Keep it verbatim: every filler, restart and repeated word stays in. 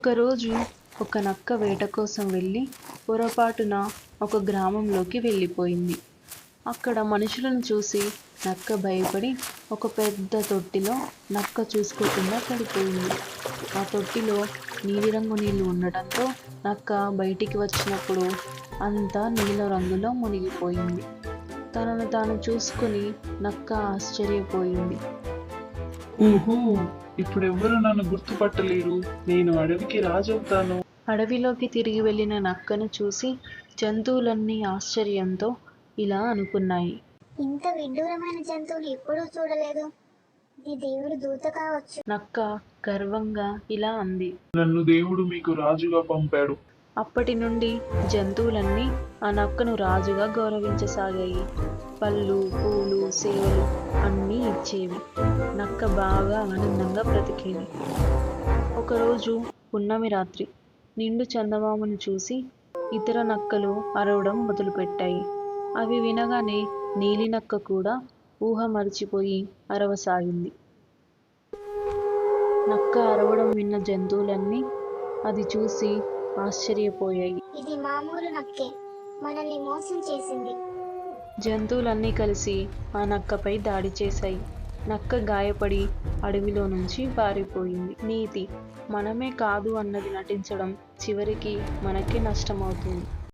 ఒకరోజు ఒక నక్క వేట కోసం వెళ్ళి పొరపాటున ఒక గ్రామంలోకి వెళ్ళిపోయింది. అక్కడ మనుషులను చూసి నక్క భయపడి ఒక పెద్ద తొట్టిలో నక్క చూసుకోకుండా పడిపోయింది. ఆ తొట్టిలో నీలిరంగు నీళ్లు ఉండటంతో నక్క బయటికి వచ్చినప్పుడు అంతా నీల రంగులో మునిగిపోయింది. తనను తాను చూసుకుని నక్క ఆశ్చర్యపోయింది. ఊహూ, ఇప్పుడెవ్వరూ నన్ను గుర్తుపట్టలేరు. నేను అడవికి రాజవుతాను. అడవిలోకి తిరిగి వెళ్ళిన నక్కను చూసి జంతువులన్నీ ఆశ్చర్యంతో ఇలా అనుకున్నాయి. ఇంత విడ్డూరమైన జంతువులు ఎప్పుడూ చూడలేదు. ఇది దేవుడు దూత కావచ్చు. నక్క గర్వంగా ఇలా అంది. నన్ను దేవుడు మీకు రాజుగా పంపాడు. అప్పటి నుండి జంతువులన్నీ ఆ నక్కను రాజుగా గౌరవించసాగాయి. పళ్ళు, పూలు, సేవలు అన్నీ ఇచ్చేవి. నక్క బాగా ఆనందంగా బ్రతికేది. ఒకరోజు పున్నమి రాత్రి నిండు చందమామను చూసి ఇతర నక్కలు అరవడం మొదలుపెట్టాయి. అవి వినగానే నీలి నక్క కూడా ఊహ మరిచిపోయి అరవసాగింది. నక్క అరవడం విన్న జంతువులన్నీ అది చూసి ఆశ్చర్యపోయాయి. ఇది మామూలు నక్కే, మనల్ని మోసం చేసింది. జంతువులన్నీ కలిసి ఆ నక్కపై దాడి చేశాయి. నక్క గాయపడి అడవిలో నుంచి పారిపోయింది. నీతి: మనమే కాదు అన్నది నటించడం చివరికి మనకే నష్టమవుతుంది.